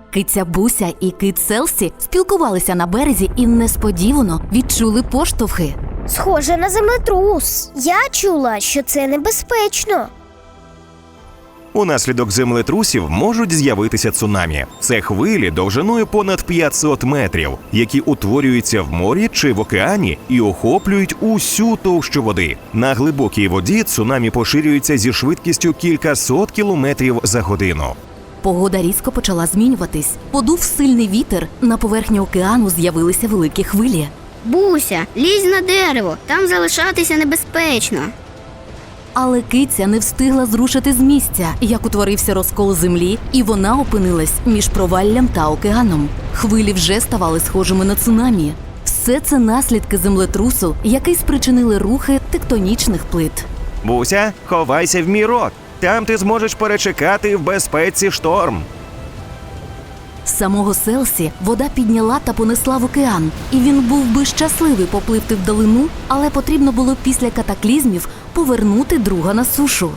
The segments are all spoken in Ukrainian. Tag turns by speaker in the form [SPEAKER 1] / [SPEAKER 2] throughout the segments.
[SPEAKER 1] Киця Буся і кит Селсі спілкувалися на березі і несподівано відчули поштовхи.
[SPEAKER 2] Схоже на землетрус. Я чула, що це небезпечно.
[SPEAKER 3] Унаслідок землетрусів можуть з'явитися цунамі. Це хвилі довжиною понад 500 метрів, які утворюються в морі чи в океані і охоплюють усю товщу води. На глибокій воді цунамі поширюються зі швидкістю кількасот кілометрів за годину.
[SPEAKER 1] Погода різко почала змінюватись. Подув сильний вітер, на поверхні океану з'явилися великі хвилі.
[SPEAKER 4] Буся, лізь на дерево, там залишатися небезпечно.
[SPEAKER 1] Але киця не встигла зрушити з місця, як утворився розкол землі, і вона опинилась між проваллям та океаном. Хвилі вже ставали схожими на цунамі. Все це наслідки землетрусу, який спричинили рухи тектонічних плит.
[SPEAKER 3] Буся, ховайся в мій рот. Там ти зможеш перечекати в безпеці шторм.
[SPEAKER 1] Самого Селсі вода підняла та понесла в океан, і він був би щасливий попливти вдалину, але потрібно було після катаклізмів повернути друга на сушу.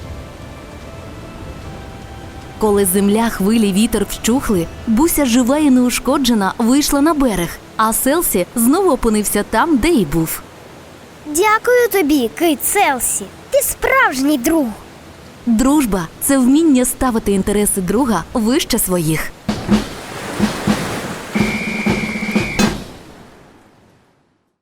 [SPEAKER 1] Коли земля, хвилі, вітер вщухли, Буся жива і неушкоджена вийшла на берег, а Селсі знову опинився там, де й був.
[SPEAKER 2] Дякую тобі, кит Селсі. Ти справжній друг.
[SPEAKER 1] Дружба – це вміння ставити інтереси друга вище своїх.